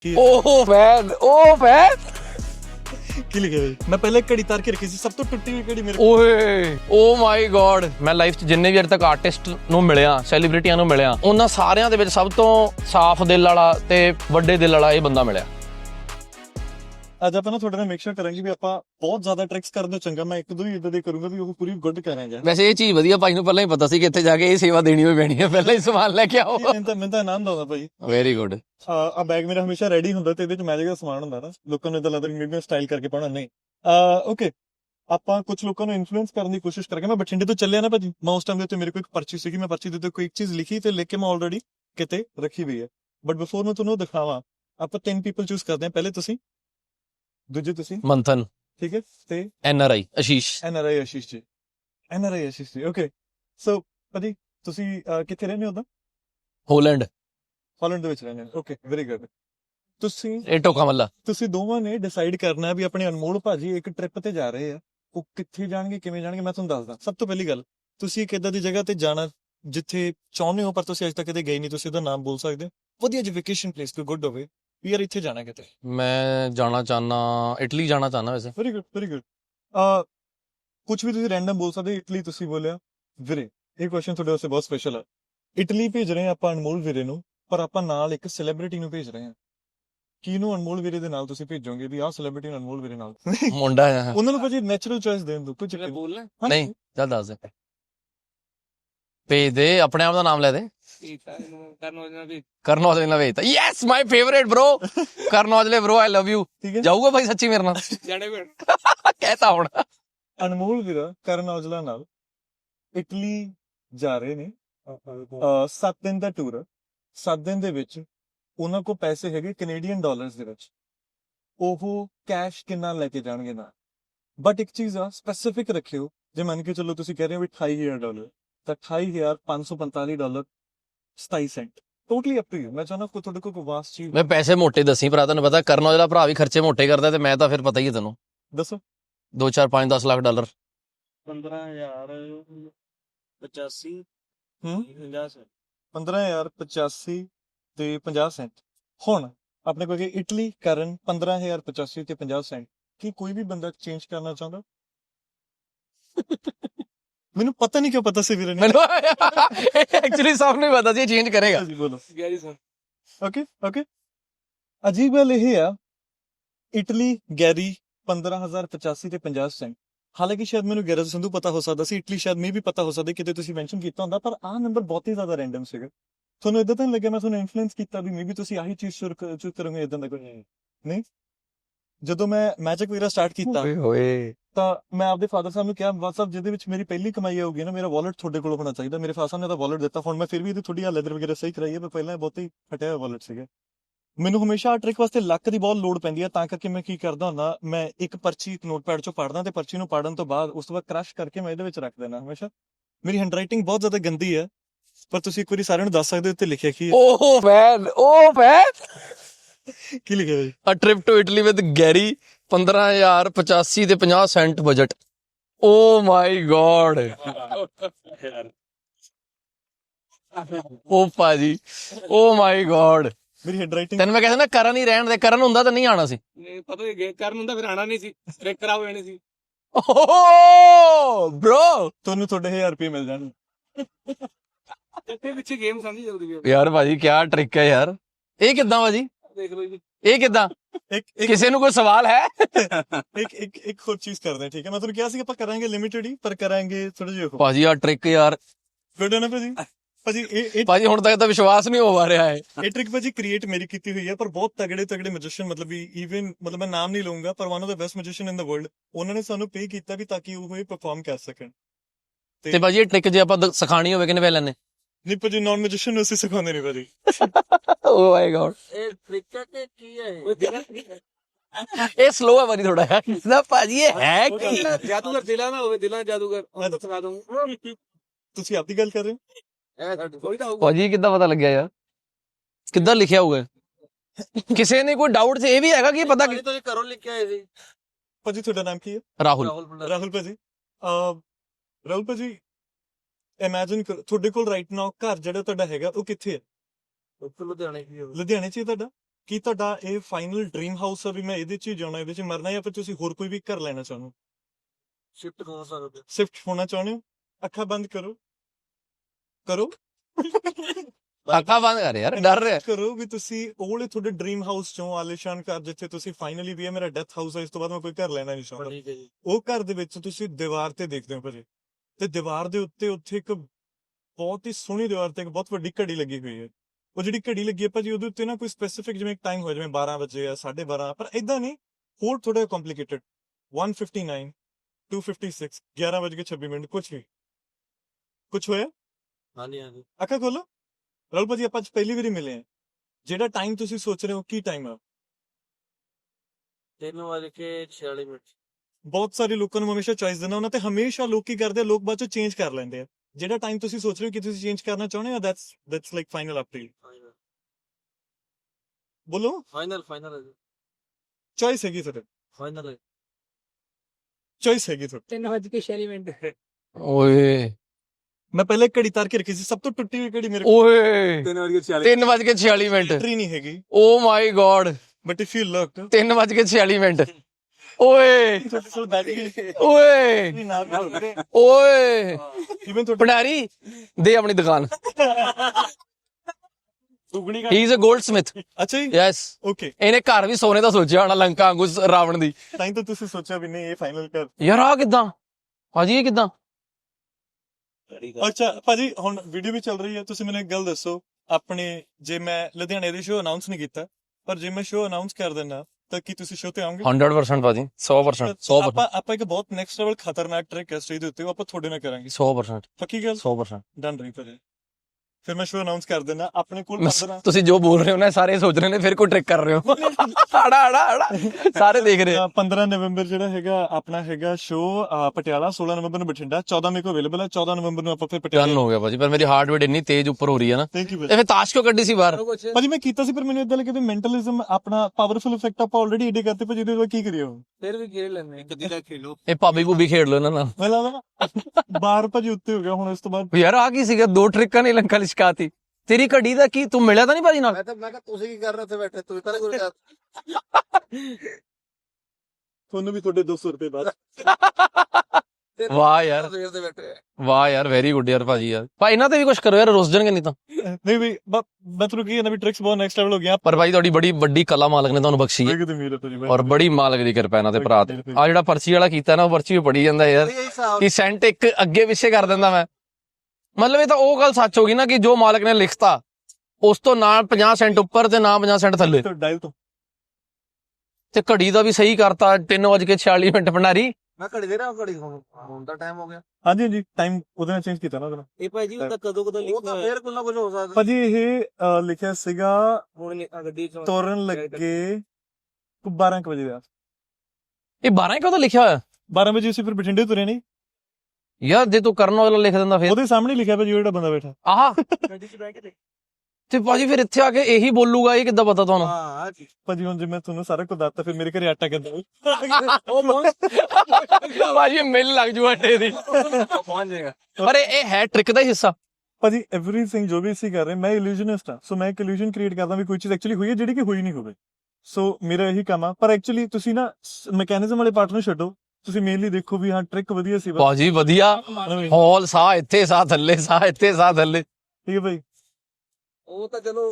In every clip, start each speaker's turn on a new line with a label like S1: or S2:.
S1: ਓ fan
S2: ਕੀ ਲਿਖਿਆ ਹੋਇਆ? ਮੈਂ ਪਹਿਲੇ ਘੜੀ ਤਾਰ ਕੇ ਰੱਖੀ ਸੀ, ਸਭ ਤੋਂ ਟੁੱਟੀ ਹੋਈ ਘੜੀ ਮੇਰੇ
S1: ਓਏ ਓ ਮਾਈ ਗॉड। ਮੈਂ ਲਾਈਫ 'ਚ ਜਿੰਨੇ ਵੀ ਅਜੇ ਤੱਕ ਆਰਟਿਸਟ ਨੂੰ ਮਿਲਿਆ, ਸੈਲੀਬ੍ਰਿਟੀਆਂ ਨੂੰ ਮਿਲਿਆ, ਉਹਨਾਂ ਸਾਰਿਆਂ ਦੇ ਵਿੱਚ ਸਭ ਤੋਂ ਸਾਫ਼ ਦਿਲ ਵਾਲਾ ਤੇ ਵੱਡੇ ਦਿਲ ਵਾਲਾ ਇਹ ਬੰਦਾ ਮਿਲਿਆ।
S2: ਅੱਜ ਆਪਾਂ ਨਾ ਤੁਹਾਡੇ ਨਾਲ ਮੇਕ ਸ਼ੋਰ ਕਰਾਂਗੇ ਵੀ ਆਪਾਂ ਬਹੁਤ ਜ਼ਿਆਦਾ ਟ੍ਰਿਕਸ ਕਰਦੇ ਚੰਗਾ। ਮੈਂ ਇੱਕ ਦੋ ਹੀ ਇਦਾਂ ਦੇ ਕਰੂੰਗਾ ਵੀ ਉਹ ਪੂਰੀ ਗੁੱਡ ਕਰਾਂਗੇ।
S1: ਵੈਸੇ ਇਹ ਚੀਜ਼ ਵਧੀਆ, ਭਾਈ ਨੂੰ ਪਹਿਲਾਂ ਹੀ ਪਤਾ ਸੀ ਕਿ ਇੱਥੇ ਜਾ ਕੇ ਇਹ ਸੇਵਾ ਦੇਣੀ ਹੋਈ ਪੈਣੀ ਹੈ, ਪਹਿਲਾਂ ਹੀ ਸਮਾਨ ਲੈ ਕੇ ਆਓ।
S2: ਮੈਨੂੰ ਤਾਂ ਆਨੰਦ ਆਉਂਦਾ ਭਾਈ।
S1: Very good.
S2: ਆ ਬੈਗ ਮੇਰਾ ਹਮੇਸ਼ਾ ਰੈਡੀ ਹੁੰਦਾ ਤੇ ਇਹਦੇ ਚ ਮੈਜਿਕ ਦਾ ਸਮਾਨ ਹੁੰਦਾ ਨਾ, ਲੋਕਾਂ ਨੂੰ ਇਦਾਂ ਲੱਗਦਾ ਕਿ ਮੈਂ ਸਟਾਈਲ ਕਰਕੇ ਪਾਉਣਾ। ਨਹੀਂ, ਓਕੇ, ਆਪਾਂ ਕੁਝ ਲੋਕਾਂ ਨੂੰ ਇਨਫਲੂਐਂਸ ਕਰਨ ਦੀ ਕੋਸ਼ਿਸ਼ ਕਰਾਂਗੇ। ਮੈਂ ਬਠਿੰਡੇ ਤੋਂ ਚੱਲਿਆ ਨਾ ਭਾਜੀ, ਮੈਂ ਉਸ ਟਾਈਮ ਦੇ ਉੱਤੇ ਮੇਰੇ ਕੋਲ ਇੱਕ ਪਰਚੀ ਸੀਗੀ, ਮੈਂ ਪਰਚੀ ਦੇ ਉੱਤੇ ਕੋਈ ਇੱਕ ਚੀਜ਼ ਲਿਖੀ ਤੇ ਲਿਖ ਕੇ ਮੈਂ ਆਲਰੇਡੀ ਕਿਤੇ ਰੱਖੀ ਹੋਈ ਹੈ। ਬਟ ਬਿਫੋਰ ਮੈਂ ਤੁਹਾਨੂੰ ਦਿਖਾਵਾਂ, ਆਪਾਂ 3 ਪੀਪਲ ਚੂਜ਼ ਕਰਦੇ ਹਾਂ। ਪਹਿਲੇ ਤੁਸੀਂ, ਦੂਜੇ ਤੁਸੀਂ,
S1: ਮੰਥਨ,
S2: ਠੀਕ ਹੈ, ਤੇ
S1: NRI ਆਸ਼ੀਸ਼।
S2: NRI ਆਸ਼ੀਸ਼ ਜੀ, NRI ਆਸ਼ੀਸ਼ ਜੀ। ਓਕੇ, ਸੋ ਭਾਜੀ ਤੁਸੀਂ ਕਿੱਥੇ ਰਹਿੰਦੇ ਹੋ?
S1: ਹੋਲੈਂਡ
S2: ਹਾਲੈਂਡ ਦੇ ਵਿੱਚ ਰਹਿੰਦੇ ਹੋ। Okay, very good.
S1: ਇਹ ਟੋਕਾ ਮੱਲਾ।
S2: ਤੁਸੀਂ ਦੋਵਾਂ ਨੇ ਡਿਸਾਈਡ ਕਰਨਾ ਵੀ ਆਪਣੇ ਅਨਮੋਲ ਭਾਜੀ ਇੱਕ ਟ੍ਰਿਪ ਤੇ ਜਾ ਰਹੇ ਆ, ਉਹ ਕਿੱਥੇ ਜਾਣਗੇ, ਕਿਵੇਂ ਜਾਣਗੇ। ਮੈਂ ਤੁਹਾਨੂੰ ਦੱਸਦਾ। ਸਭ ਤੋਂ ਪਹਿਲੀ ਗੱਲ, ਤੁਸੀਂ ਇੱਕ ਏਦਾਂ ਦੀ ਜਗ੍ਹਾ ਤੇ ਜਾਣਾ ਜਿੱਥੇ ਚਾਹੁੰਦੇ ਹੋ ਪਰ ਤੁਸੀਂ ਅਜੇ ਤੱਕ ਕਦੇ ਗਏ ਨਹੀਂ। ਤੁਸੀਂ ਉਹਦਾ ਨਾਮ ਬੋਲ ਸਕਦੇ ਹੋ? ਵਧੀਆ ਜਿਹੀ ਵੈਕੇਸ਼ਨ ਪਲੇਸ ਕੋਈ ਗੁੱਡ ਹੋਵੇ ਵੀ ਯਾਰ ਇੱਥੇ ਜਾਣਾ ਕਿਤੇ।
S1: ਮੈਂ ਜਾਣਾ ਚਾਹਨਾ, ਇਟਲੀ ਜਾਣਾ ਚਾਹਨਾ ਵੈਸੇ।
S2: Very good, very good. ਕੁਝ ਵੀ ਤੁਸੀਂ ਰੈਂਡਮ ਬੋਲ ਸਕਦੇ। ਇਟਲੀ ਤੁਸੀਂ ਬੋਲਿਆ ਵੀਰੇ, ਇਹ ਕੁਐਸਚਨ ਤੁਹਾਡੇ ਵਾਸਤੇ ਬਹੁਤ ਸਪੈਸ਼ਲ ਹੈ। ਇਟਲੀ ਭੇਜ ਰਹੇ ਹਾਂ ਆਪਾਂ ਅਨਮੋਲ ਵੀਰੇ ਨੂੰ, ਪਰ ਆਪਾਂ ਨਾਲ ਇੱਕ ਸੈਲੀਬ੍ਰਿਟੀ ਨੂੰ ਭੇਜ ਰਹੇ ਹਾਂ। ਕਿਹਨੂੰ ਅਨਮੋਲ ਵੀਰੇ ਦੇ ਨਾਲ ਤੁਸੀਂ ਭੇਜੋਗੇ ਵੀ ਆਹ ਸੈਲੀਬ੍ਰਿਟੀ ਨੂੰ ਅਨਮੋਲ ਵੀਰੇ ਨਾਲ?
S1: ਮੁੰਡਾ ਹੈ
S2: ਉਹਨਾਂ ਨੂੰ ਭਾਜੀ ਨੈਚੁਰਲ ਚੋਇਸ ਦੇਣ ਦੋ। ਕੁਝ
S1: ਬੋਲਣਾ ਨਹੀਂ, ਚੱਲ ਦੱਸ ਦੇ। ਭੇਜ ਦੇ, ਆਪਣੇ ਆਪ ਦਾ ਨਾਮ ਲੈ ਦੇ। ਕਰਨ ਔਜਲੇ ਨਾਲ ਭੇਜਤਾ। ਯੈਸ, ਮਾਈ ਫੇਵਰੇਟ ਬ੍ਰੋ, ਕਰਨ ਔਜਲੇ ਬ੍ਰੋ, ਆਈ ਲਵ ਯੂ। ਜਾਊਗਾ ਭਾਈ ਸੱਚੀ ਮੇਰੇ ਨਾਲ? ਕਹਿਤਾ ਹੁਣ।
S2: ਅਨਮੋਲ ਵੀਰਾ ਕਰਨ ਔਜਲਾ ਨਾਲ ਇਟਲੀ ਜਾ ਰਹੇ ਨੇ। 7 ਦਿਨ ਦਾ ਟੂਰ। 7 ਦਿਨ ਦੇ ਵਿੱਚ ਉਹਨਾਂ ਕੋਲ ਪੈਸੇ ਹੈਗੇ ਕੈਨੇਡੀਅਨ ਡਾਲਰਸ ਦੇ ਵਿੱਚ। ਉਹ ਕੈਸ਼ ਕਿੰਨਾ ਲੈ ਕੇ ਜਾਣਗੇ ਨਾ? ਬਟ ਇੱਕ ਚੀਜ਼ ਆ, ਸਪੈਸੀਫਿਕ ਰੱਖਿਓ। ਜੇ ਮੰਨ ਕੇ ਚੱਲੋ ਤੁਸੀਂ ਕਹਿ ਰਹੇ ਹੋ ਵੀ $28,000, ਤਾਂ $28,545 27 cent. Totally up to you. ਮੈਂ ਚਾਹੁੰਦਾ ਕੋਈ ਤੁਹਾਡੇ ਕੋਲ ਕੋਈ ਵਾਸਟ ਚੀਜ਼।
S1: ਮੈਂ ਪੈਸੇ ਮੋਟੇ ਦੱਸੀ ਭਰਾ, ਤੈਨੂੰ ਪਤਾ ਕਰਨ ਔਜਲਾ ਭਰਾ ਵੀ ਖਰਚੇ ਮੋਟੇ ਕਰਦਾ, ਤੇ ਮੈਂ ਤਾਂ ਫਿਰ ਪਤਾ ਹੀ ਹੈ ਤੈਨੂੰ।
S2: ਦੱਸੋ।
S1: 2 4 5 10 ਲੱਖ ਡਾਲਰ।
S3: 15,085
S2: 15,085 ਤੇ 50 ਸੈਂਟ। ਹੁਣ ਆਪਣੇ ਕੋਲ ਇਟਲੀ ਕਰਨ 15,085 ਤੇ 50 ਸੈਂਟ। ਕੀ ਕੋਈ ਵੀ ਬੰਦਾ ਚੇਂਜ ਕਰਨਾ ਚਾਹੁੰਦਾ? ਮੈਨੂੰ ਪਤਾ ਨਹੀਂ ਕਿਉਂ ਪਤਾ ਸੀ ਵੀਰੇ ਨੇ।
S1: ਮੈਨੂੰ ਐਕਚੁਅਲੀ ਸਭ ਨੂੰ ਪਤਾ ਸੀ ਚੇਂਜ ਕਰੇਗਾ।
S2: ਜੀ ਬੋਲੋ। Okay okay. ਅਜੀਬ ਗੱਲ ਇਹ ਆ, ਇਟਲੀ ਗੈਰੀ 15,085 ਤੇ 50 ਸੈਂਟ। ਹਾਲਾਂਕਿ ਸ਼ਾਇਦ ਮੈਨੂੰ ਗੈਰਜ ਸੰਧੂ ਪਤਾ ਹੋ ਸਕਦਾ ਸੀ, ਇਟਲੀ ਸ਼ਾਇਦ ਮੇ ਵੀ ਪਤਾ ਹੋ ਸਕਦਾ ਕਿਤੇ ਤੁਸੀਂ ਮੈਂਸ਼ਨ ਕੀਤਾ ਹੁੰਦਾ, ਪਰ ਆਹ ਨੰਬਰ ਬਹੁਤ ਹੀ ਜ਼ਿਆਦਾ ਰੈਂਡਮ ਸੀਗਾ। ਤੁਹਾਨੂੰ ਇਦਾਂ ਤਾਂ ਨਹੀਂ ਲੱਗਿਆ ਮੈਂ ਤੁਹਾਨੂੰ ਇਨਫਲੂਐਂਸ ਕੀਤਾ ਵੀ ਮੇ ਵੀ ਤੁਸੀਂ ਆਹੀ ਚੀਜ਼ ਚੂਜ਼ ਕਰੋਗੇ? ਇਦਾਂ ਦਾ ਕੁਝ ਨਹੀਂ। ਜਦੋਂ ਮੈਂ ਮੈਜਿਕ ਵਗੈਰਾ ਸਟਾਰਟ ਕੀਤਾ
S1: ਹੋਏ
S2: ਤਾਂ ਮੈਂ ਆਪਦੇ ਫਾਦਰ ਸਾਹਿਬ ਨੂੰ ਕਿਹਾ, ਫਾਦਰ ਸਾਹਿਬ ਜਿਹਦੇ ਵਿੱਚ ਮੇਰੀ ਪਹਿਲੀ ਕਮਾਈ ਆਊਗੀ ਨਾ, ਮੇਰਾ ਵਾਲਟ ਤੁਹਾਡੇ ਕੋਲ ਹੋਣਾ ਚਾਹੀਦਾ। ਮੇਰੇ ਫਾਦਰ ਸਾਹਿਬ ਨੇ ਤਾਂ ਵਾਲਟ ਦਿੱਤਾ। ਹੁਣ ਮੈਂ ਫਿਰ ਵੀ ਇਹਦੀ ਥੋੜੀ ਲੈਦਰ ਵਗੈਰਾ ਸਹੀ ਕਰਾਈ ਹੈ, ਪਰ ਪਹਿਲਾਂ ਬਹੁਤ ਹੀ ਫਟਿਆ ਹੋਇਆ ਵਾਲਟ ਸੀਗਾ। ਮੈਨੂੰ ਹਮੇਸ਼ਾ ਟ੍ਰਿਕ ਵਾਸਤੇ ਲੱਕ ਦੀ ਬਹੁਤ ਲੋੜ ਪੈਂਦੀ ਹੈ, ਤਾਂ ਕਰਕੇ ਮੈਂ ਕੀ ਕਰਦਾ ਹੁੰਦਾ, ਮੈਂ ਇੱਕ ਪਰਚੀ ਨੋਟਪੈਡ ਚੋਂ ਪੜ੍ਹਦਾ ਤੇ ਪਰਚੀ ਨੂੰ ਪੜ੍ਹਨ ਤੋਂ ਬਾਅਦ ਉਸ ਤੋਂ ਬਾਅਦ ਕ੍ਰਸ਼ ਕਰਕੇ ਮੈਂ ਇਹਦੇ ਵਿੱਚ ਰੱਖ ਦੇਣਾ ਹਮੇਸ਼ਾ। ਮੇਰੀ ਹੈਂਡਰਾਈਟਿੰਗ ਬਹੁਤ ਜ਼ਿਆਦਾ ਗੰਦੀ ਹੈ, ਪਰ ਤੁਸੀਂ ਇੱਕ ਵਾਰੀ ਸਾਰਿਆਂ ਨੂੰ ਦੱਸ ਸਕਦੇ ਹੋ ਉੱਤੇ ਲਿਖਿਆ ਕੀ ਹੈ।
S1: ਓ ਫੈਨ
S2: ਕੀ ਲਿਖਿਆ ਹੋਇਆ ਜੀ?
S1: A trip to Italy with Gary 15,085 ਤੇ 50 cent budget. Oh my god. Oh ਭਾਜੀ, ਓ ਮਾਈ ਗॉड।
S2: ਮੇਰੀ ਹੈਂਡਰਾਈਟਿੰਗ
S1: ਤੈਨੂੰ ਮੈਂ ਕਹਿੰਦਾ ਨਾ, ਕਰਨ ਹੀ ਰਹਿਣ ਦੇ। ਕਰਨ ਹੁੰਦਾ ਤਾਂ ਨਹੀਂ ਆਣਾ ਸੀ।
S3: ਪਤਾ ਹੀ ਕਰਨ ਹੁੰਦਾ ਫਿਰ ਆਣਾ ਨਹੀਂ ਸੀ, ਟ੍ਰੈਕ ਖਰਾਬ ਹੋ ਜਾਣੀ ਸੀ।
S1: ਓ ਬ੍ਰੋ,
S2: ਤੁਹਾਨੂੰ ਤੁਹਾਡੇ 1000 ਰੁਪਏ ਮਿਲ ਜਾਣਗੇ।
S3: ਇੱਥੇ ਪਿੱਛੇ ਗੇਮ ਸਮਝੀ ਜਲਦੀ
S1: ਯਾਰ ਭਾਜੀ ਕਿਆ ਟ੍ਰਿਕ ਹੈ ਯਾਰ। ਇਹ ਕਿੱਦਾਂ ਭਾਜੀ?
S3: ਦੇਖ ਲਓ ਜੀ।
S1: ਇਹ ਕਿੱਦਾਂ? ਕਿਸੇ ਨੂੰ ਕੋਈ ਸਵਾਲ ਹੈ?
S2: ਇੱਕ ਹੋਰ ਚੀਜ਼ ਕਰਦੇ ਹਾਂ, ਠੀਕ ਹੈ? ਮੈਂ ਤੁਹਾਨੂੰ ਕਿਹਾ ਸੀ ਆਪਾਂ ਕਰਾਂਗੇ ਲਿਮਿਟਡ ਹੀ, ਪਰ ਕਰਾਂਗੇ ਥੋੜਾ ਜਿਹਾ।
S1: ਭਾਜੀ ਆ ਟ੍ਰਿਕ ਯਾਰ
S2: ਗੁੱਡ ਹੈ ਨਾ ਭਾਜੀ? ਭਾਜੀ ਇਹ
S1: ਭਾਜੀ ਹੁਣ ਤੱਕ ਤਾਂ ਵਿਸ਼ਵਾਸ ਨਹੀਂ ਹੋ ਪਾ ਰਿਹਾ ਹੈ।
S2: ਇਹ ਟ੍ਰਿਕ ਭਾਜੀ ਕ੍ਰੀਏਟ ਮੇਰੀ ਕੀਤੀ ਹੋਈ ਹੈ, ਪਰ ਬਹੁਤ ਤਗੜੇ ਮੈਜੀਸ਼ੀਅਨ, ਮਤਲਬ ਵੀ ਈਵਨ, ਮਤਲਬ ਮੈਂ ਨਾਮ ਨਹੀਂ ਲਊਂਗਾ, ਪਰ one of the best magician in the world, ਉਹਨਾਂ ਨੇ ਸਾਨੂੰ ਪੇ ਕੀਤਾ ਵੀ ਤਾਂ ਕਿ ਉਹ ਇਹ ਪਰਫਾਰਮ ਕਰ ਸਕਣ।
S1: ਤੇ ਭਾਜੀ ਇਹ ਟ੍ਰਿਕ ਜੇ ਆਪਾਂ ਸਿਖਾਣੀ ਹੋਵੇ ਕਿੰਨੇ ਪੈਸੇ ਲੈਣੇ?
S2: ਨਹੀਂ ਭਾਜੀ, ਨਾਨ ਮੈਜੀਸ਼ੀਅਨ ਨੂੰ ਅਸੀਂ ਸਿਖਾਉਂਦੇ ਨਹੀਂ ਭਾਜੀ।
S1: Oh my god.
S3: ਇਹ ਟ੍ਰਿਕ ਕੀ ਹੈ?
S1: ਇਹ ਸਲੋ ਹੈ ਭਾਜੀ ਥੋੜਾ ਯਾਰ ਨਾ ਭਾਜੀ। ਇਹ ਹੈ ਕੀ?
S3: ਜਾਦੂਗਰ ਦਿਲਾਂ ਨਾ ਹੋਵੇ, ਦਿਲਾਂ ਜਾਦੂਗਰ ਉਹ ਸਿਖਾ ਦੂੰਗਾ।
S2: ਤੁਸੀਂ ਆਪਦੀ ਗੱਲ ਕਰ ਰਹੇ ਹੋ?
S3: ਕੋਈ ਤਾਂ ਹੋਊਗਾ
S1: ਭਾਜੀ ਕਿੱਦਾਂ ਪਤਾ ਲੱਗਿਆ ਯਾਰ? ਕਿੱਦਾਂ ਲਿਖਿਆ ਹੋਊਗਾ? ਕਿਸੇ ਨੇ ਕੋਈ ਡਾਊਟ ਤੇ ਇਹ ਵੀ ਹੈਗਾ ਕਿ ਪਤਾ
S3: ਤਾਂ ਇਹ ਘਰੋਂ ਲਿਖ ਕੇ ਆਏ ਸੀ।
S2: ਭਾਜੀ ਤੁਹਾਡਾ ਨਾਮ ਕੀ ਹੈ?
S1: ਰਾਹੁਲ
S2: ਰਾਹੁਲ ਭਾਜੀ। ਰਾਹੁਲ ਭਾਜੀ, ਇਮੇਜਿਨ ਕਰੋ ਤੁਹਾਡੇ ਕੋਲ ਰਾਈਟ ਨਾਓ ਘਰ ਜਿਹੜਾ ਤੁਹਾਡਾ ਹੈਗਾ ਉਹ ਕਿੱਥੇ ਹੈ?
S3: ਲੁਧਿਆਣੇ ਕੀ
S2: ਲੁਧਿਆਣੇ 'ਚ ਹੀ ਤੁਹਾਡਾ? ਕੀ ਤੁਹਾਡਾ ਇਹ ਫਾਈਨਲ ਡ੍ਰੀਮ ਹਾਊਸ ਆ ਵੀ ਮੈਂ ਇਹਦੇ 'ਚ ਹੀ ਜਾਣਾ, ਇਹਦੇ 'ਚ ਹੀ ਮਰਨਾ, ਜਾਂ ਫਿਰ ਤੁਸੀਂ ਹੋਰ ਕੋਈ ਵੀ ਘਰ ਲੈਣਾ ਚਾਹੁੰਦੇ ਹੋ?
S3: ਸ਼ਿਫਟ ਹੋ ਸਕਦੇ
S2: ਸ਼ਿਫਟ ਹੋਣਾ ਚਾਹੁੰਦੇ ਹੋ? ਅੱਖਾਂ ਬੰਦ ਕਰੋ ਕਰੋ
S1: ਅੱਖਾਂ ਬੰਦ ਕਰ ਯਾਰ, ਡਰ ਰਿਹਾ।
S2: ਕਰੋ ਵੀ ਤੁਸੀਂ ਉਹ ਵਾਲੇ ਤੁਹਾਡੇ ਡ੍ਰੀਮ ਹਾਊਸ ਚੋਂ ਆਲੀਸ਼ਾਨ ਘਰ ਜਿੱਥੇ ਤੁਸੀਂ ਫਾਈਨਲੀ ਵੀ ਇਹ ਮੇਰਾ ਡੈਥ ਹਾਊਸ ਹੈ, ਇਸ ਤੋਂ ਬਾਅਦ ਮੈਂ ਕੋਈ ਘਰ ਲੈਣਾ ਨਹੀਂ ਚਾਹੁੰਦਾ,
S3: ਠੀਕ ਹੈ ਜੀ।
S2: ਉਹ ਘਰ ਦੇ ਵਿੱਚ ਤੁਸੀਂ ਦੀਵਾਰ ਤੇ ਦੇਖਦੇ ਹੋ ਭਾਜੀ, ਤੇ ਦੀਵਾਰ ਦੇ ਉੱਤੇ ਉੱਥੇ ਇੱਕ ਬਹੁਤ ਹੀ ਸੋਹਣੀ ਦੀਵਾਰ ਤੇ ਇੱਕ ਬਹੁਤ ਵੱਡੀ ਘੜੀ ਲੱਗੀ ਹੋਈ ਹੈ। ਉਹ ਜਿਹੜੀ ਘੜੀ ਲੱਗੀ ਹੈ ਭਾਜੀ, ਉਹਦੇ ਉੱਤੇ ਨਾ ਕੋਈ ਸਪੈਸੀਫਿਕ ਜਿਵੇਂ ਇੱਕ ਟਾਈਮ ਹੋਇਆ, ਜਿਵੇਂ 12 ਵਜੇ ਆ 12:30, ਪਰ ਇਦਾਂ ਨਹੀਂ, ਹੋਰ ਥੋੜਾ ਕੰਪਲਿਕੇਟਡ, 1:59 2:56 11:26 ਕੁਛ ਹੋਇਆ?
S3: ਹਾਂਜੀ ਹਾਂਜੀ।
S2: ਅੱਖਾਂ ਖੋਲੋ। ਰਾਹੁਲ ਭਾਜੀ, ਆਪਾਂ ਅੱਜ ਪਹਿਲੀ ਵਾਰੀ ਮਿਲੇ ਆ, ਜਿਹੜਾ ਟਾਈਮ ਤੁਸੀਂ ਸੋਚ ਰਹੇ ਹੋ ਕੀ ਟਾਈਮ ਆ?
S3: 3:46
S2: ਬਹੁਤ ਸਾਰੇ ਲੋਕਾਂ ਨੂੰ ਹਮੇਸ਼ਾ ਚੋਇਸ ਦਿੰਦਾ ਉਹਨਾਂ ਤੇ, ਹਮੇਸ਼ਾ ਲੋਕ ਕੀ ਕਰਦੇ ਆ, ਲੋਕ ਬਾਅਦ ਚੋਂ ਚੇਂਜ ਕਰ ਲੈਂਦੇ ਆ। ਜਿਹੜਾ ਟਾਈਮ ਤੁਸੀਂ ਸੋਚ ਰਹੇ ਹੋ ਕਿ ਤੁਸੀਂ ਚੇਂਜ ਕਰਨਾ ਚਾਹੁੰਦੇ ਹੋ, that's like final up to you। ਬੋਲੋ,
S3: ਫਾਈਨਲ
S2: ਚੋਇਸ ਹੈਗੀ ਤੁਹਾਡੇ,
S3: ਫਾਈਨਲ
S2: ਚੋਇਸ ਹੈਗੀ ਤੁਹਾਡੀ।
S3: 3:46
S1: ਓਏ
S2: ਮੈਂ ਪਹਿਲੇ ਘੜੀ ਤਾਰ ਕੇ ਰੱਖੀ ਸੀ, ਸਭ ਤੋਂ ਟੁੱਟੀ ਹੋਈ ਘੜੀ ਮੇਰੇ ਕੋਲ,
S1: ਓਏ 3:46
S2: ਬੈਟਰੀ ਨਹੀਂ ਹੈਗੀ,
S1: oh my god,
S2: but if you look
S1: 3:46 ਓਏ
S2: ਤੁਹਾਡੇ ਬੈਟਰੀ
S1: ਓਏ
S2: ਨਾ ਵੀ
S1: ਓਏ
S2: ਇਵਨ ਤੁਹਾਡੇ
S1: ਭੰਡਾਰੀ ਦੇ ਆਪਣੀ ਦੁਕਾਨ।
S3: ਦੁਗਣੀ
S1: ਹੀ ਇਜ਼ ਅ ਗੋਲਡਸਮਿਥ।
S2: ਅੱਛਾ ਜੀ,
S1: ਯੈਸ,
S2: ਓਕੇ,
S1: ਇਹਨੇ ਘਰ ਵੀ ਸੋਨੇ ਦਾ ਸੋਚਿਆ ਹੋਣਾ, ਲੰਕਾ ਵਾਂਗੂ ਰਾਵਣ ਦੀ।
S2: ਤਾਂ ਹੀ ਤਾਂ ਤੁਸੀਂ ਸੋਚਿਆ ਵੀ ਨਹੀਂ ਇਹ ਫਾਈਨਲ ਕਰ।
S1: ਯਾਰ ਆ ਕਿਦਾਂ ਭਾਜੀ, ਇਹ ਕਿਦਾਂ?
S2: ਅੱਛਾ ਭਾਜੀ, ਹੁਣ ਵੀਡੀਓ ਵੀ ਚੱਲ ਰਹੀ ਹੈ, ਤੁਸੀਂ ਮੈਨੂੰ ਇੱਕ ਗੱਲ ਦੱਸੋ, ਆਪਣੇ ਜੇ ਮੈਂ ਲੁਧਿਆਣੇ ਦੇ ਸ਼ੋਅ ਅਨਾਉਂਸ ਨਹੀਂ ਕੀਤਾ, ਪਰ ਜੇ ਮੈਂ ਸ਼ੋਅ ਅਨਾਉਂਸ ਕਰ ਦਿੰਦਾ ਤਾਂ ਕੀ ਤੁਸੀਂ ਸ਼ੋਅ ਤੇ ਆਓਗੇ?
S1: 100% ਭਾਜੀ, 100%।
S2: ਆਪਾਂ ਇੱਕ ਬਹੁਤ ਨੈਕਸਟ ਲੈਵਲ ਖਤਰਨਾਕ ਟ੍ਰਿਕ ਹੈ ਸਟੇਜ ਦੇ ਉੱਤੇ, ਉਹ ਆਪਾਂ ਤੁਹਾਡੇ ਨਾਲ ਕਰਾਂਗੇ।
S1: 100%।
S2: ਪੱਕੀ ਗੱਲ?
S1: 100%।
S2: ਡਨ ਰਹੀ ਭਾਜੀ, ਫਿਰ ਮੈਂ ਸ਼ੋਅ ਅਨਾਉਂਸ ਕਰ ਦਿੰਦਾ। ਆਪਣੇ ਕੋਲ 15
S1: ਤੁਸੀਂ ਜੋ ਬੋਲ ਰਹੇ ਹੋ ਨਾ, ਸਾਰੇ ਸੋਚ ਰਹੇ ਨੇ ਫਿਰ ਕੋਈ ਟ੍ਰਿਕ ਕਰ ਰਹੇ ਹੋ। ਆੜਾ ਸਾਰੇ ਦੇਖ ਰਹੇ।
S2: 15 ਨਵੰਬਰ ਜਿਹੜਾ ਹੈਗਾ ਆਪਣਾ ਹੈਗਾ ਸ਼ੋਅ ਪਟਿਆਲਾ, 16 ਨਵੰਬਰ ਨੂੰ ਬਠਿੰਡਾ, 14 ਮੇਰੇ ਕੋਲ ਅਵੇਲੇਬਲ ਹੈ, 14 ਨਵੰਬਰ ਨੂੰ ਆਪਾਂ ਫਿਰ
S1: ਡਨ
S2: ਪਟਿਆਲਾ।
S1: ਹੋ ਗਿਆ ਭਾਜੀ, ਪਰ ਮੇਰੀ ਹਾਰਟ ਬੀਟ ਇੰਨੀ ਤੇਜ਼ ਉੱਪਰ ਹੋ ਰਹੀ ਹੈ ਨਾ।
S2: ਥੈਂਕ ਯੂ
S1: ਇਹ ਫਿਰ ਤਾਸ਼ ਕਿਉਂ ਕੱਢੀ ਸੀ ਬਾਹਰ?
S2: ਭਾਜੀ, ਮੈਂ ਕੀਤਾ ਸੀ, ਪਰ ਮੈਨੂੰ ਇਦਾਂ ਲੱਗਿਆ ਮੈਂਟਲਿਜ਼ਮ ਆਪਣਾ ਪਾਵਰਫੁਲ ਇਫੈਕਟ ਆਪਾਂ ਆਲਰੇਡੀ ਏਡੇ ਕਰਤੇ ਭਾਜੀ, ਇਹਦੇ ਬਾਅਦ ਕੀ ਕਰੀਏ ਹੁਣ?
S3: ਫਿਰ ਵੀ ਖੇਡ ਲੈਣੇ, ਕਦੀ ਦਾ ਖੇਲੋ।
S1: ਇਹ ਭਾਬੀ ਭੂਬੀ ਖੇਡ ਲੋ ਇਹਨਾਂ ਨਾਲ।
S2: ਮੈਂ ਲੱਗਦਾ ਬਾਹਰ ਭਾਜੀ ਉੱਤੇ ਹੋ ਗਿਆ ਹੁਣ, ਇਸ ਤੋਂ ਬਾਅਦ
S1: ਯਾਰ ਆ ਕੀ ਸੀਗਾ, 2 ਟ੍ਰਿਕਾਂ ਨੇ ਲੰਕਾ ਲਿਸ਼ਕਾਤੀ। ਤੇਰੀ ਘੜੀ ਦਾ ਕੀ, ਤੂੰ ਮਿਲਿਆ ਤਾਂ ਨਹੀਂ ਭਾਜੀ ਨਾਲ?
S3: ਮੈਂ ਕਿਹਾ ਤੁਸੀਂ ਕੀ ਕਰ ਰਹੇ ਉੱਥੇ ਬੈਠੇ, ਤੁਸੀਂ ਤਾਂ ਗੁਰੂ
S2: ਤੁਹਾਨੂੰ ਵੀ ਤੁਹਾਡੇ 200 ਰੁਪਏ ਬਾਅਦ।
S1: ਵਾਹ ਯਾਰ,
S3: ਸਵੇਰ ਦੇ ਬੈਠੇ।
S1: ਵਾਹ ਯਾਰ, ਵੈਰੀ ਗੁੱਡ ਯਾਰ ਭਾਜੀ। ਯਾਰ ਭਾਈ ਇਹਨਾਂ ਤੇ ਵੀ ਕੁਝ ਕਰੋ ਯਾਰ, ਰੁੱਸ ਜਾਣਗੇ ਨਹੀਂ ਤਾਂ।
S2: ਨਹੀਂ ਵੀ ਮੈਂ ਤੁਹਾਨੂੰ ਕੀ ਕਹਿੰਦਾ ਵੀ ਟ੍ਰਿਕਸ ਬਹੁਤ ਨੈਕਸਟ ਲੈਵਲ ਹੋ ਗਿਆ।
S1: ਪਰ ਭਾਈ ਤੁਹਾਡੀ ਬੜੀ ਵੱਡੀ ਕਲਾ ਮਾਲਕ ਨੇ ਤੁਹਾਨੂੰ ਬਖਸ਼ੀ ਹੈ,
S2: ਕਿਤੇ ਮੀਰ ਭਾਜੀ
S1: ਔਰ ਬੜੀ ਮਾਲਕ ਦੀ ਕਿਰਪਾ ਇਹਨਾਂ ਤੇ ਭਰਾ ਤੇ। ਆ ਜਿਹੜਾ ਪਰਚੀ ਵਾਲਾ ਕੀਤਾ ਨਾ, ਉਹ ਪਰਚੀ ਵੀ ਪੜੀ ਜਾਂਦਾ ਯਾਰ, ਕਿ ਸੈਂਟ ਇੱਕ ਅੱਗੇ ਪਿੱਛੇ ਕਰ ਦਿੰਦਾ ਮੈਂ। ਮਤਲਬ ਇਹ ਤਾਂ ਉਹ ਗੱਲ ਸੱਚ ਹੋ ਗਈ ਨਾ ਕਿ ਜੋ ਮਾਲਕ ਨੇ ਲਿਖਤਾ, ਉਸ ਤੋਂ ਨਾ 50 ਸੈਂਟ ਉੱਪਰ ਤੇ ਨਾ 50 ਸੈਂਟ ਥੱਲੇ,
S2: ਡਾਇਲ ਤੋਂ।
S1: ਤੇ ਘੜੀ ਦਾ ਵੀ ਸਹੀ ਕਰਤਾ, 3:46 ਭੰਡਾਰੀ।
S3: ਮੈਂ ਘੜੀ ਦੇ ਰਿਹਾ, ਘੜੀ ਹੁਣ ਦਾ ਟਾਈਮ ਹੋ ਗਿਆ।
S2: ਹਾਂਜੀ ਹਾਂਜੀ, ਟਾਈਮ ਉਹਦੇ ਨਾਲ ਚੇਂਜ ਕੀਤਾ ਨਾ ਉਹਦੇ ਨਾਲ।
S3: ਇਹ ਭਾਜੀ ਉਹਦਾ ਕਦੋਂ ਲਿਖਿਆ, ਫੇਰ ਕੁਝ ਨਾ ਕੁਝ ਹੋ ਸਕਦਾ
S2: ਭਾਜੀ ਇਹ ਲਿਖਿਆ ਸੀਗਾ
S3: ਹੁਣ ਗੱਡੀ ਚ
S2: ਤੋਰਨ ਲੱਗੇ 12 ਵਜੇ ਦਾ।
S1: ਇਹ 12 ਕਦੋਂ ਲਿਖਿਆ ਹੋਇਆ
S2: 12 ਵਜੇ ਅਸੀਂ ਫਿਰ ਬਠਿੰਡੇ ਤੁਰੇ ਨਹੀਂ।
S1: ਯਾਰ? ਜੇ ਤੂੰ ਕਰਨ ਵਾਲਾ ਲਿਖ ਦਿੰਦਾ ਫਿਰ।
S2: ਉਹਦੇ ਸਾਹਮਣੇ ਲਿਖਿਆ ਭਾਜੀ, ਉਹ ਜਿਹੜਾ ਬੰਦਾ ਬੈਠਾ
S1: ਆਹ
S3: ਗੱਡੀ ਚ ਬਹਿ ਕੇ
S1: ਤੇ ਭਾਜੀ ਫਿਰ ਇੱਥੇ ਆ ਕੇ ਇਹੀ ਬੋਲੂਗਾ, ਇਹ ਕਿੱਦਾਂ ਪਤਾ ਤੁਹਾਨੂੰ?
S3: ਹਾਂ
S2: ਭਾਜੀ ਹੁਣ ਜੇ ਮੈਂ ਤੁਹਾਨੂੰ ਸਾਰਾ ਕੁਝ ਦੱਸਤਾ ਫਿਰ ਮੇਰੇ ਘਰੇ ਆਟਾ ਕਿੱਦਾਂ?
S1: ਭਾਜੀ ਮਿਲ ਲੱਗ ਜੂ ਆਟੇ ਦੀ।
S3: ਪਹੁੰਚ ਜਾਏਗਾ।
S1: ਪਰ ਇਹ ਹੈ ਟ੍ਰਿਕ ਦਾ ਹੀ ਹਿੱਸਾ।
S2: ਭਾਜੀ ਐਵਰੀਥਿੰਗ ਜੋ ਵੀ ਅਸੀਂ ਕਰ ਰਹੇ, ਮੈਂ ਇਲੂਜਨਿਸਟ ਹਾਂ, ਸੋ ਮੈਂ ਇੱਕ ਇਲੂਜਨ ਕ੍ਰੀਏਟ ਕਰਦਾ ਵੀ ਕੋਈ ਚੀਜ਼ ਐਕਚੁਅਲੀ ਹੋਈ ਹੈ ਜਿਹੜੀ ਕਿ ਹੋਈ ਨਹੀਂ ਹੋਵੇ। ਸੋ ਮੇਰਾ ਇਹੀ ਕੰਮ ਆ, ਪਰ ਐਕਚੁਅਲੀ ਤੁਸੀਂ ਨਾ ਮੈਕੈਨਿਜ਼ਮ ਵਾਲੇ ਪਾਰਟ ਨੂੰ ਛੱਡੋ, ਤੁਸੀਂ ਮੇਨਲੀ ਦੇਖੋ ਵੀ ਹਾਂ ਟ੍ਰਿਕ ਵਧੀਆ ਸੀ।
S1: ਭਾਜੀ ਵਧੀਆ ਹੌਲ, ਸਾਹ ਇੱਥੇ ਸਾਹ ਥੱਲੇ, ਸਾਹ ਇੱਥੇ ਸਾਹ ਥੱਲੇ।
S2: ਠੀਕ ਹੈ ਭਾਈ,
S3: ਉਹ ਤਾਂ ਚਲੋ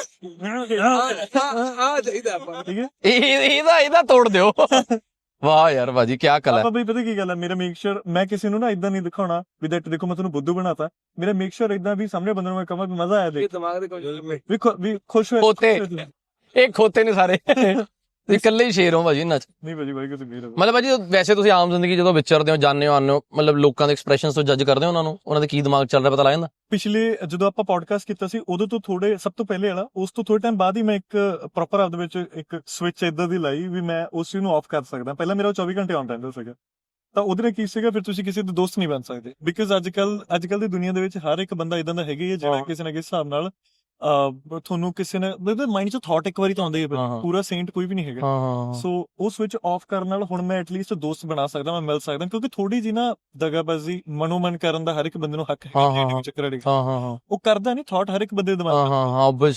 S3: ਆ ਚਾਹੀਦਾ ਆਪਾਂ।
S2: ਠੀਕ ਹੈ,
S1: ਇਹਦਾ ਤੋੜ ਦਿਓ। ਵਾਹ ਯਾਰ ਭਾਜੀ, ਕੀ ਕਲਾ ਹੈ।
S2: ਆਪਾਂ ਬਈ ਪਤਾ ਕੀ ਗੱਲ ਹੈ, ਮੇਰਾ ਮੇਕ ਸ਼ੋਰ ਮੈਂ ਕਿਸੇ ਨੂੰ ਨਾ ਇਦਾਂ ਨਹੀਂ ਦਿਖਾਉਣਾ ਵੀ ਦੈਟ ਦੇਖੋ ਮੈਂ ਤੁਹਾਨੂੰ ਬੁੱਧੂ ਬਣਾਤਾ। ਮੇਰਾ ਮੇਕ ਸ਼ੋਰ ਇਦਾਂ ਵੀ ਸਾਹਮਣੇ ਬੰਦੇ ਨੂੰ ਮੈਂ ਕਹਾਂ ਵੀ ਮਜ਼ਾ ਆਇਆ, ਦੇਖ
S3: ਦਿਮਾਗ ਦੇ ਕੋਈ
S2: ਵੀ ਖੁਸ਼ ਹੋਏ।
S1: ਖੋਤੇ ਇਹ ਖੋਤੇ ਨੇ ਸਾਰੇ, ਤੁਸੀਂ ਇਕੱਲੇ ਹੀ ਸ਼ੇਰ ਹੋ ਭਾਜੀ ਇਹਨਾਂ ਚ।
S2: ਨਹੀਂ ਭਾਜੀ, ਭਾਈ ਕਿਸੇ ਵੀਰ
S1: ਮਤਲਬ ਭਾਜੀ ਵੈਸੇ ਤੁਸੀਂ ਆਮ ਜ਼ਿੰਦਗੀ ਜਦੋਂ ਵਿਚਰਦੇ ਹੋ, ਜਾਣਦੇ ਹੋ, ਆਉਂਦੇ ਹੋ, ਮਤਲਬ ਲੋਕਾਂ ਦੇ ਐਕਸਪ੍ਰੈਸ਼ਨਸ ਤੋਂ ਜੱਜ ਕਰਦੇ ਹੋ ਉਹਨਾਂ ਨੂੰ, ਉਹਨਾਂ ਦੇ ਕੀ ਦਿਮਾਗ ਚੱਲ ਰਿਹਾ ਪਤਾ ਲੱਗ ਜਾਂਦਾ?
S2: ਪਿਛਲੇ ਜਦੋਂ ਆਪਾਂ ਪੋਡਕਾਸਟ ਕੀਤਾ ਸੀ ਉਦੋਂ ਤੋਂ ਥੋੜੇ ਸਭ ਤੋਂ ਪਹਿਲੇ ਵਾਲਾ, ਉਸ ਤੋਂ ਥੋੜੇ ਟਾਈਮ ਬਾਅਦ ਹੀ ਮੈਂ ਇੱਕ ਪ੍ਰੋਪਰ ਆਪਦੇ ਵਿੱਚ ਇੱਕ ਸਵਿਚ ਇਦਾਂ ਦੀ ਲਾਈ ਵੀ ਮੈਂ ਉਸ ਚੀਜ਼ ਨੂੰ ਆਫ ਕਰ ਸਕਦਾ। ਪਹਿਲਾਂ ਮੇਰਾ 24 ਘੰਟੇ ਆਨ ਰਹਿੰਦਾ ਸੀਗਾ, ਤਾਂ ਉਹਦੇ ਨਾਲ ਕੀ ਸੀਗਾ, ਫਿਰ ਤੁਸੀਂ ਕਿਸੇ ਦੇ ਦੋਸਤ ਨਹੀਂ ਬਣ ਸਕਦੇ। ਬਿਕਾਜ਼ ਅੱਜ ਕੱਲ ਦੀ ਦੁਨੀਆ ਦੇ ਵਿੱਚ ਹਰ ਇੱਕ ਬੰਦਾ ਇਦਾਂ ਦਾ ਹੈਗਾ ਹੀ ਹੈ ਜਿਹੜਾ ਕਿਸੇ ਨਾ ਕਿਸੇ ਹਿਸਾਬ ਨਾਲ ਤੁਹਾਨੂੰ ਕਿਸੇ ਨੇ ਮਾਈਂਡ 'ਚ ਥਾਟ ਇੱਕ ਵਾਰੀ ਤਾਂ ਆਉਂਦਾ ਹੀ ਹੈ, ਪੂਰਾ ਸੇਂਟ ਕੋਈ ਵੀ ਨਹੀਂ ਹੈਗਾ। ਸੋ ਉਹ ਸਵਿਚ ਆਫ ਕਰਨ ਨਾਲ ਹੁਣ ਮੈਂ ਐਟਲੀਸਟ ਦੋਸਤ ਬਣਾ ਸਕਦਾ, ਮੈਂ ਮਿਲ ਸਕਦਾ, ਕਿਉਂਕਿ ਥੋੜੀ ਜੀ ਨਾ ਦਗਾਬਾਜ਼ੀ ਮਨੋਮਨ ਕਰਨ ਦਾ ਹਰ ਇੱਕ ਬੰਦੇ ਨੂੰ ਹੱਕ ਹੈ। ਚੱਕਰ ਉਹ ਕਰਦਾ ਨਹੀਂ, ਥਾਟ ਹਰ ਇੱਕ ਬੰਦੇ ਦੇ ਦਿਮਾਗ 'ਚ।
S1: ਆਬਵੀਅਸਲੀ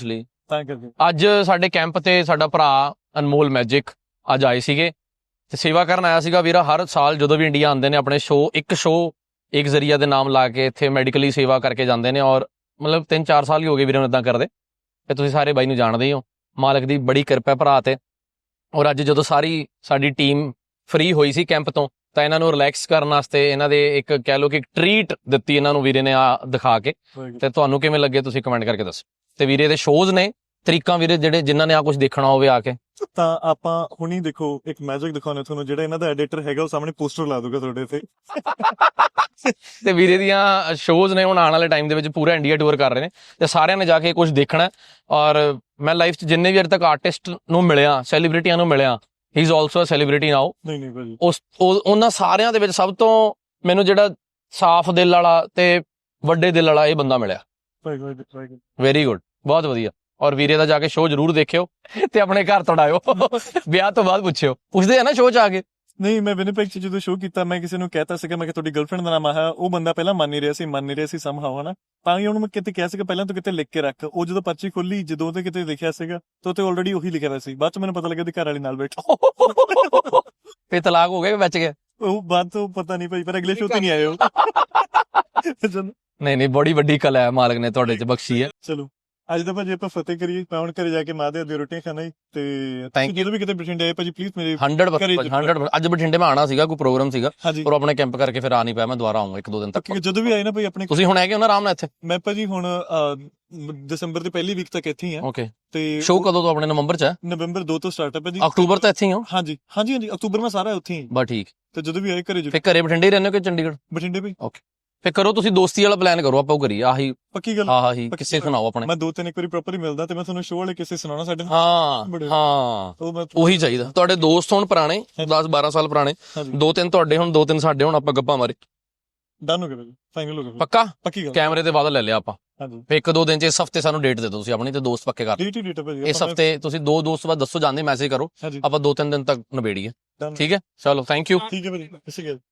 S2: ਤਾਂ ਕਰਕੇ
S1: ਅੱਜ ਸਾਡੇ ਕੈਂਪ ਤੇ ਸਾਡਾ ਭਰਾ ਅਨਮੋਲ ਮੈਜਿਕ ਅੱਜ ਆਏ ਸੀਗੇ ਤੇ ਸੇਵਾ ਕਰਨ ਆਇਆ ਸੀਗਾ ਵੀਰਾ। ਹਰ ਸਾਲ ਜਦੋਂ ਵੀ ਇੰਡੀਆ ਆਉਂਦੇ ਨੇ ਆਪਣੇ ਇੱਕ ਜ਼ਰੀਆ ਦੇ ਨਾਮ ਲਾ ਕੇ ਇੱਥੇ ਮੈਡੀਕਲੀ ਸੇਵਾ ਕਰਕੇ ਜਾਂਦੇ ਨੇ, ਔਰ ਮਤਲਬ 3-4 ਸਾਲ ਹੀ ਹੋ ਗਏ ਵੀਰੇ ਨੂੰ ਇਦਾਂ ਕਰਦੇ। ਤੇ ਤੁਸੀਂ ਸਾਰੇ ਬਾਈ ਨੂੰ ਜਾਣਦੇ ਹੀ ਹੋ, ਮਾਲਕ ਦੀ ਬੜੀ ਕਿਰਪਾ ਭਰਾ ਤੇ। ਔਰ ਅੱਜ ਜਦੋਂ ਸਾਰੀ ਸਾਡੀ ਟੀਮ ਫ੍ਰੀ ਹੋਈ ਸੀ ਕੈਂਪ ਤੋਂ, ਤਾਂ ਇਹਨਾਂ ਨੂੰ ਰਿਲੈਕਸ ਕਰਨ ਵਾਸਤੇ ਇਹਨਾਂ ਦੇ ਇੱਕ ਕਹਿ ਲਓ ਕਿ ਟਰੀਟ ਦਿੱਤੀ ਇਹਨਾਂ ਨੂੰ ਵੀਰੇ ਨੇ ਆ ਦਿਖਾ ਕੇ। ਤੇ ਤੁਹਾਨੂੰ ਕਿਵੇਂ ਲੱਗੇ ਤੁਸੀਂ ਕਮੈਂਟ ਕਰਕੇ ਦੱਸੋ। ਤੇ ਵੀਰੇ ਦੇ ਸ਼ੋਜ਼ ਨੇ ਤਰੀਕਾਂ ਵੀਰੇ ਜਿਹੜੇ ਜਿਨ੍ਹਾਂ ਨੇ ਆ ਕੁਝ ਦੇਖਣਾ ਹੋਵੇ ਆ ਕੇ।
S2: ਤਾਂ ਆਪਾਂ ਹੁਣੀ ਦੇਖੋ ਇੱਕ ਮੈਜਿਕ ਦਿਖਾਉਣੇ ਤੁਹਾਨੂੰ, ਜਿਹੜਾ ਇਹਨਾਂ ਦਾ ਐਡੀਟਰ ਹੈਗਾ ਉਹ ਸਾਹਮਣੇ ਪੋਸਟਰ ਲਾ ਦੂਗਾ ਤੁਹਾਡੇ ਤੇ।
S1: ਤੇ ਵੀਰੇ ਦੀਆਂ ਸ਼ੋਜ਼ ਨੇ ਹੁਣ ਆਉਣ ਵਾਲੇ ਟਾਈਮ ਦੇ ਵਿੱਚ ਪੂਰਾ ਇੰਡੀਆ ਟੂਰ ਕਰ ਰਹੇ ਨੇ ਤੇ ਸਾਰਿਆਂ ਨੇ ਜਾ ਕੇ ਕੁਝ ਦੇਖਣਾ। ਔਰ ਮੈਂ ਲਾਈਫ 'ਚ ਜਿੰਨੇ ਵੀ ਅਜੇ ਤੱਕ ਆਰਟਿਸਟ ਨੂੰ ਮਿਲਿਆ, ਸੈਲੀਬ੍ਰਿਟੀਆਂ ਨੂੰ ਮਿਲਿਆ, he is also a celebrity now.
S2: ਨਹੀਂ ਭਾਜੀ,
S1: ਉਹਨਾਂ ਸਾਰਿਆਂ ਦੇ ਵਿੱਚ ਸਭ ਤੋਂ ਮੈਨੂੰ ਜਿਹੜਾ ਸਾਫ਼ ਦਿਲ ਵਾਲਾ ਤੇ ਵੱਡੇ ਦਿਲ ਵਾਲਾ ਇਹ ਬੰਦਾ ਮਿਲਿਆ। ਵੈਰੀ ਗੁੱਡ, ਬਹੁਤ ਵਧੀਆ। ਔਰ ਵੀਰੇ ਦਾ ਜਾ ਕੇ ਸ਼ੋਅ ਜ਼ਰੂਰ ਦੇਖਿਓ ਤੇ ਆਪਣੇ ਘਰ ਤੜਾਇਓ। ਵਿਆਹ ਤੋਂ ਬਾਅਦ ਪੁੱਛਦੇ ਆ ਨਾ ਸ਼ੋਅ 'ਚ ਆ ਕੇ।
S2: ਨਹੀਂ, ਮੈਂ ਵਿਨੀਪੈਗ 'ਚ ਜਦੋਂ ਸ਼ੋਅ ਕੀਤਾ ਮੈਂ ਕਿਸੇ ਨੂੰ ਕਹਿਤਾ ਸੀਗਾ, ਮੈਂ ਕਿ ਤੁਹਾਡੀ ਗਰਲਫ੍ਰੈਂਡ ਦਾ ਨਾਮ ਆ, ਉਹ ਬੰਦਾ ਪਹਿਲਾਂ ਮੰਨ ਨਹੀਂ ਰਿਹਾ ਸੀ ਸਮਹਾਉ, ਹਨਾ। ਤਾਂ ਹੀ ਉਹਨੂੰ ਮੈਂ ਕਿਤੇ ਕਿਹਾ ਸੀਗਾ ਪਹਿਲਾਂ ਤੂੰ ਕਿਤੇ ਲਿਖ ਕੇ ਰੱਖ। ਉਹ ਜਦੋਂ ਪਰਚੀ ਖੋਲੀ, ਜਦੋਂ ਤੇ ਕਿਤੇ ਲਿਖਿਆ ਸੀਗਾ ਤਾਂ ਉੱਤੇ ਆਲਰੇਡੀ ਉਹੀ ਲਿਖਿਆ ਹੋਇਆ ਸੀ। ਬਾਅਦ 'ਚ ਮੈਨੂੰ ਪਤਾ ਲੱਗਿਆ ਉਹਦੀ ਘਰ ਵਾਲੀ ਨਾਲ ਬੈਠੀ।
S1: ਫੇ ਤਲਾਕ ਹੋ ਗਿਆ, ਬਚ ਗਿਆ।
S2: ਉਹ ਬਾਅਦ ਤੋਂ ਪਤਾ ਨਹੀਂ ਭਾਈ, ਪਰ ਅਗਲੇ ਸ਼ੋਅ ਤੇ ਨਹੀਂ ਆਏ ਉਹ।
S1: ਨਹੀਂ ਬੜੀ ਵੱਡੀ ਕਲਾ ਹੈ ਮਾਲਕ ਨੇ ਤੁਹਾਡੇ 'ਚ ਬਖਸ਼ੀ ਹੈ।
S2: ਚਲੋ ਅੱਜ ਦਾ ਭਾਜੀ ਆਪਾਂ ਫਤਿਹ ਕਰੀਏ। ਮੈਂ ਹੁਣ ਘਰੇ ਜਾ ਕੇ ਮਾਂ ਦੇ ਹੱਥ ਰੋਟੀਆਂ ਖਾਣਾ ਹੀ। ਤੇ
S1: Thank
S2: ਜਦੋਂ ਵੀ ਕਿਤੇ ਬਠਿੰਡੇ ਆਏ ਭਾਜੀ ਪਲੀਜ਼ ਮੇਰੇ
S1: 100% ਅੱਜ ਬਠਿੰਡੇ ਮੈਂ ਆਣਾ ਸੀਗਾ, ਕੋਈ ਪ੍ਰੋਗਰਾਮ ਸੀਗਾ
S2: ਹਾਂਜੀ,
S1: ਪਰ ਆਪਣੇ ਕੈਂਪ ਕਰਕੇ ਫਿਰ ਆ ਨਹੀਂ ਪਿਆ। ਮੈਂ ਦੁਬਾਰਾ ਆਉਂਗਾ 1-2 ਦਿਨ ਤੱਕ।
S2: ਜਦੋਂ ਵੀ ਆਏ ਨਾ ਭਾਈ ਆਪਣੇ।
S1: ਤੁਸੀਂ ਹੁਣ ਹੈਗੇ ਹੋ ਨਾ ਆਰਾਮ ਨਾਲ ਇੱਥੇ?
S2: ਮੈਂ ਭਾਜੀ ਹੁਣ ਦਸੰਬਰ ਦੀ ਪਹਿਲੀ ਵੀਕ ਤੱਕ ਇੱਥੇ ਹੀ ਆ।
S1: ਓਕੇ,
S2: ਤੇ
S1: ਸ਼ੋਅ ਕਦੋਂ ਤੋਂ ਆਪਣੇ ਨਵੰਬਰ 'ਚ ਹੈ?
S2: ਨਵੰਬਰ 2 ਤੋਂ ਸਟਾਰਟ ਹੈ ਭਾਜੀ।
S1: ਅਕਤੂਬਰ ਤੋਂ ਇੱਥੇ ਹੀ ਹੋ?
S2: ਹਾਂਜੀ ਅਕਤੂਬਰ ਮੈਂ ਸਾਰਾ ਉੱਥੇ ਹੀ।
S1: ਬਸ ਠੀਕ।
S2: ਤੇ ਜਦੋਂ ਵੀ ਆਏ ਘਰੇ
S1: ਫਿਰ ਘਰੇ ਬਠਿੰਡੇ ਹੀ ਰਹਿੰਦੇ ਹੋ ਕਿ ਚੰਡੀਗੜ੍ਹ?
S2: ਬਠਿੰਡੇ ਭਾਈ।
S1: ਓਕੇ, ਫਿਰ ਕਰੋ ਤੁਸੀਂ ਦੋਸਤੀ ਵਾਲਾ ਪਲਾਨ ਕਰੋ, ਆਪਾਂ ਉਹ ਕਰੀਏ। ਆਹੀ
S2: ਪੱਕੀ ਗੱਲ।
S1: ਆਹੀ ਕਿਸੇ ਸੁਣਾਓ ਆਪਣੇ।
S2: ਮੈਂ 2-3 ਇੱਕ ਵਾਰੀ ਪ੍ਰੋਪਰ ਹੀ ਮਿਲਦਾ ਤੇ ਮੈਂ ਤੁਹਾਨੂੰ ਸ਼ੋਅ ਵਾਲੇ ਕਿਸੇ ਸੁਣਾਉਣਾ ਸਾਡੇ ਨਾਲ।
S1: ਹਾਂ ਉਹੀ ਚਾਹੀਦਾ। ਤੁਹਾਡੇ ਦੋਸਤ ਹੋਣ ਪੁਰਾਣੇ 10-12 ਸਾਲ ਪੁਰਾਣੇ, 2-3 ਤੁਹਾਡੇ ਹੁਣ 2-3 ਸਾਡੇ ਹੁਣ, ਆਪਾਂ ਗੱਪਾਂ ਮਾਰੇ।
S2: ਡਨ ਹੋ ਗਿਆ ਭਾਜੀ, ਫਾਈਨਲ ਹੋ ਗਿਆ।
S1: ਪੱਕਾ?
S2: ਪੱਕੀ ਗੱਲ।
S1: ਕੈਮਰੇ ਤੇ ਵਾਅਦਾ ਲੈ ਲਿਆ ਆਪਾਂ।
S2: ਹਾਂਜੀ,
S1: ਫਿਰ 1-2 ਦਿਨ 'ਚ ਇਸ ਹਫਤੇ ਸਾਨੂੰ ਡੇਟ ਦੇ ਦਿਓ ਤੁਸੀਂ ਆਪਣੀ, ਤੇ ਦੋਸਤ ਪੱਕੇ ਕਰ।
S2: ਡੇਟ ਭਾਜੀ
S1: ਇਸ ਹਫਤੇ ਤੁਸੀਂ 2 ਦੋਸਤ ਬਾਅਦ ਦੱਸੋ, ਜਾਂਦੇ ਮੈਸੇਜ ਕਰੋ, ਆਪਾਂ 2-3 ਦਿਨ ਤੱਕ ਨਿਬੇੜੀਏ। ਠੀਕ ਹੈ, ਚਲੋ ਥੈਂਕ ਯੂ।
S2: ਠੀਕ ਹੈ ਭਾਜੀ,